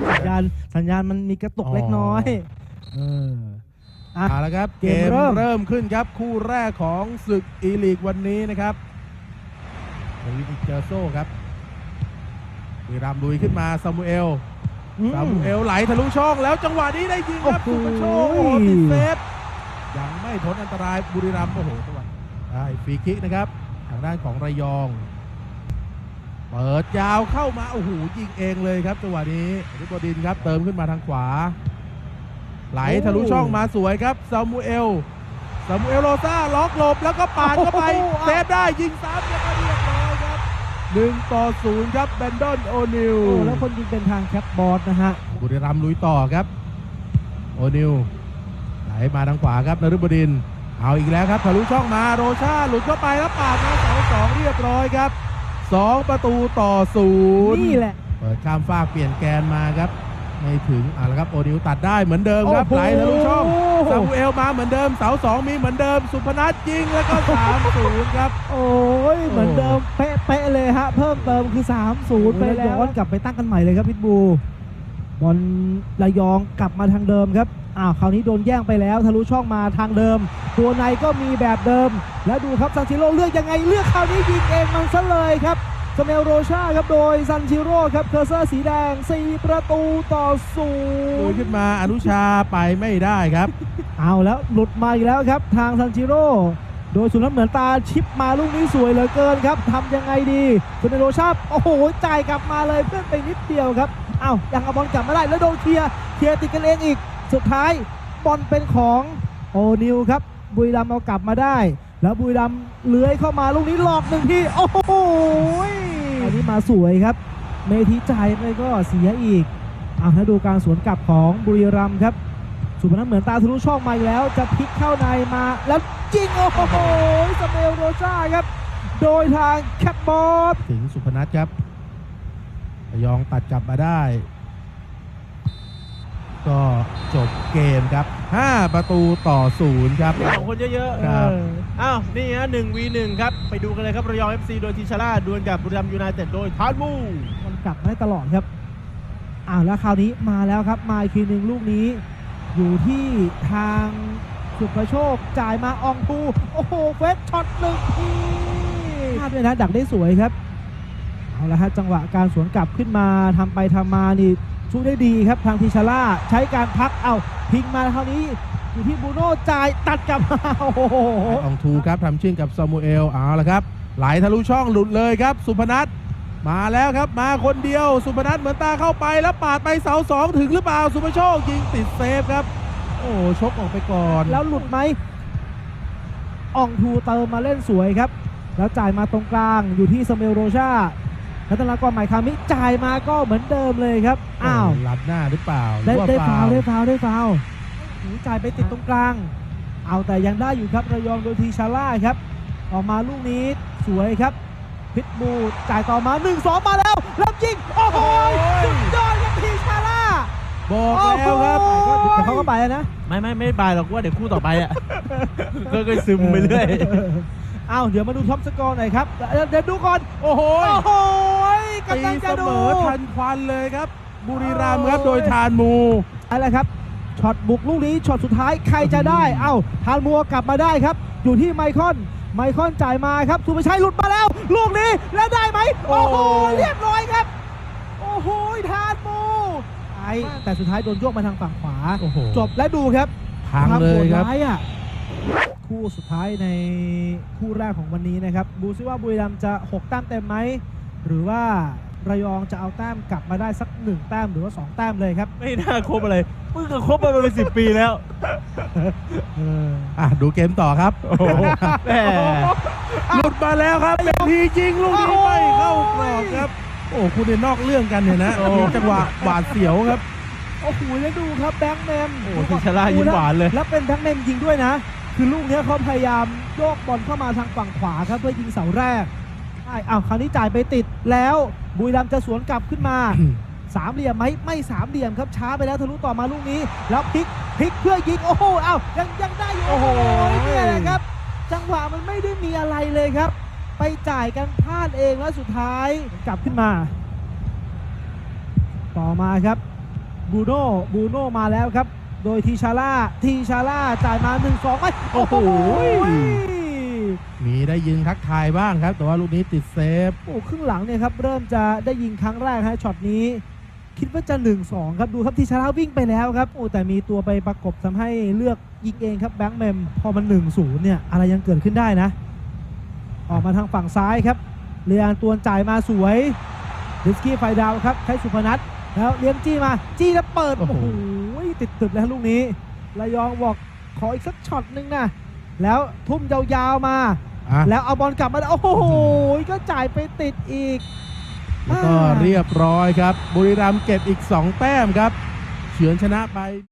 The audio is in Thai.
สัญญาณมันมีกระตุกเล็กน้อยเอาละครับเกมเริ่มขึ้นครับคู่แรกของศึกอีลีกวันนี้นะครับวินิเจอร์โซ่ครับบุรีรัมย์ลุยขึ้นมาซามูเอลไหลทะลุช่องแล้วจังหวะนี้ได้ยิงครับสุภโชคติดเซฟยังไม่พ้นอันตรายบุรีรัมย์โอ้โหจังหวะได้ฟรีคิกนะครับทางด้านของระยองเปิดยาวเข้ามาโอ้โหยิงเองเลยครับจังหวะนี้ฤบดินครับเติมขึ้นมาทางขวาไหลทะลุช่องมาสวยครับซามูเอลโรซ่าล็อกหลบแล้วก็ปาดเข้าไปเซฟได้ยิงซ้ำแล้วก็เรียบร้อยครับ1-0ครับแบนดอนโอนิลแล้วคนยิงเป็นทางแคปบอสนะฮะบุรีรัมย์ลุยต่อครับโอนิลไหลมาทางขวาครับนฤบดินเอาอีกแล้วครับทะลุช่องมาโรชาหลุดเข้าไปแล้วปาดมา2-2เรียบร้อยครับ2-0นี่แหละเปิดข้ามฟากเปลี่ยนแกนมาครับไม่ถึงแล้วครับโอนิลตัดได้เหมือนเดิมครับไหลทะลุช่องซามูเอลมาเหมือนเดิมเสา2มีเหมือนเดิมสุพนัทยิงแล้วก็3-0ครับโอ้ยเหมือนเดิมเป๊ะเลยฮะเพิ่มเติมคือ3-0ไปแล้วย้อนกลับไปตั้งกันใหม่เลยครับพิทบูบอลระยองกลับมาทางเดิมครับคราวนี้โดนแย่งไปแล้วทะลุช่องมาทางเดิมตัวในก็มีแบบเดิมแล้วดูครับซันชิโร่เลือกยังไงเลือกคราวนี้ยิงเองมันซะเลยครับสเมลโรชาครับโดยซันชิโร่ครับเคอร์เซอร์สีแดง4-0 ขึ้นมาอนุชาไปไม่ได้ครับเอาแล้วหลุดมาอีกแล้วครับทางซันชิโร่โดยสุนัขเหมือนตาชิปมาลูกนี้สวยเหลือเกินครับทำยังไงดีสเมลโรชาโอ้โหจ่ายกลับมาเลยเพื่อนไปนิดเดียวครับยังเอาบอลกลับมาได้แล้วโดนเคลียร์ติดกันเองอีกสุดท้ายบอลเป็นของโอนิลครับบุรีรัมย์เอากลับมาได้แล้วบุรีรัมย์เลื้อยเข้ามาลูกนี้หลอกหนึ่งทีโอ้โหอันนี้มาสวยครับเมธีจ่ายไปก็เสียอีกให้ดูการสวนกลับของบุรีรัมย์ครับสุพนัทเหมือนตาทะลุช่องมาแล้วจะพลิกเข้าในมาแล้วยิงโอ้โหสเมลโรชาครับโดยทางแคปบอสถึงสุพนัทครับระยองตัดกลับมาได้ก็จบเกมครับ5-0ครับสองคนเยอะๆครับนี่ฮะ1v1ครับไปดูกันเลยครับระยอง FC โดยทีชาร่าดวลกับบุรีรัมย์ยูไนเต็ดโดยทานมูมันกลับได้ตลอดครับแล้วคราวนี้มาแล้วครับมาอีกทีหนึ่งลูกนี้อยู่ที่ทางสุภโชคจ่ายมาอองตูโอ้โหเฟสช็อตหนึ่งทีพลาดด้วยนะดักได้สวยครับเอาละฮะจังหวะการสวนกลับขึ้นมาทำไปทำมานี่สู้ได้ดีครับทางทีชาร่าใช้การพักพิงมาคราวนี้อยู่ที่บูโน่จ่ายตัดกลับมาโอ้โหอองทูครับทำชิ่งกับซามูเอลเอาละครับไหลทะลุช่องหลุดเลยครับสุพนัทมาแล้วครับมาคนเดียวสุพนัทเหมือนตาเข้าไปแล้วปาดไปเสา2ถึงหรือเปล่าสุภโชคยิงติดเซฟครับโอ้ชกออกไปก่อนแล้วหลุดไหมอองทูเติมมาเล่นสวยครับแล้วจ่ายมาตรงกลางอยู่ที่สเมลโรชารัตนากรหมายคามิจ่ายมาก็เหมือนเดิมเลยครับลัดหน้าหรือเปล่าได้ฟาวจ่ายไปติดตรงกลางแต่ยังได้อยู่ครับระยองโดยทีชาร่าครับออกมาลูกนี้สวยครับพิทบูจ่ายต่อมา 1-2 มาแล้วยิงโอ้โหสุดยอดครับทีชาร่าบอกแล้วครับแต่เขาก็ไปนะไม่ไปหรอกว่าเดี๋ยวคู่ต่อไปก็ซึมไปเรื่อยเดี๋ยวมาดูท็อปสกอร์หน่อยครับเดี๋ยวดูก่อนโอ้โหกำลังจะดูทันควันเลยครับบุรีรัมย์ครับโดยทานมูอะไรครับช็อตบุกลูกนี้ช็อตสุดท้ายใครจะได้ทานมูกลับมาได้ครับอยู่ที่ไมคอนจ่ายมาครับสุภชัยหลุดมาแล้วลูกนี้แล้วได้ไหมโอ้โหเรียบร้อยครับโอ้โหทานมูแต่สุดท้ายโดนโยกมาทางฝั่งขวาจบและดูครับพังเลยครับคู่สุดท้ายในคู่แรกของวันนี้นะครับดูซิว่าบุรีรัมย์จะ6แต้มเต็มไหมหรือว่าระยองจะเอาแต้มกลับมาได้สัก1แต้มหรือว่า2แต้มเลยครับไม่น่าครบอะไรเพิ่งจะครบมาเป็น10 ปีแล้วดูเกมต่อครับหลุดมาแล้วครับเป็นทีจริงลูกนี้ไม่เข้ากรอบครับคุณเนี่ยนอกเรื่องกันเนี่ยนะจังหวะหวาดเสียวครับโอ้โหแล้วดูครับแบงค์แมนทีชาร่ายิ้มหวานเลยแล้วเป็นแบงค์แมนยิงด้วยนะคือลูกนี้เขาพยายามโยกบอลเข้ามาทางฝั่งขวาครับเพื่อยิงเสาแรกคราวนี้จ่ายไปติดแล้วบุรีรัมย์จะสวนกลับขึ้นมา3เหลี่ยมไหมไม่3เหลี่ยมครับช้าไปแล้วทะลุต่อมาลูกนี้แล้วพลิกเพื่อยิงโอ้โหยังได้อยู่โอ้โหเนี่ยนะครับจังหวะมันไม่ได้มีอะไรเลยครับไปจ่ายกันพลาดเองแล้วสุดท้ายกลับขึ้นมาต่อมาครับบูโน่มาแล้วครับ โดยทีชาร่าจ่ายมา 1-2ไปโอ้โหโมีได้ยิงทักทายบ้างครับ แต่ว่าลูกนี้ติดเซฟอ้ครึ่งหลังเนี่ยครับเริ่มจะได้ยิงครั้งแรกฮะช็อตนี้ คิดว่าจะ 1-2 ครับดูครับทีชาร่าวิ่งไปแล้วครับโอ้แต่มีตัวไปประกบทำให้เลือกยิงเองครับแบงค์เมมพอมัน 1-0 เนี่ยอะไรยังเกิดขึ้นได้นะ ออกมาทางฝั่งซ้ายครับเรียนตัวจ่ายมาสวยดิสกี้ไฟดาวครับใช้สุพนัทแล้วเลี้ยงจี้มาจี้แล้วเปิดโอ้โอ้โหโหติดตึบแล้วลูกนี้ระยองบอกขออีกสักช็อตนึงนะแล้วทุ่มยาวๆมาอ่ะแล้วเอาบอลกลับมาโอ้โหก็จ่ายไปติดอีกแล้วก็เรียบร้อยครับบุรีรัมย์เก็บอีก 2 แต้มครับเฉือนชนะไป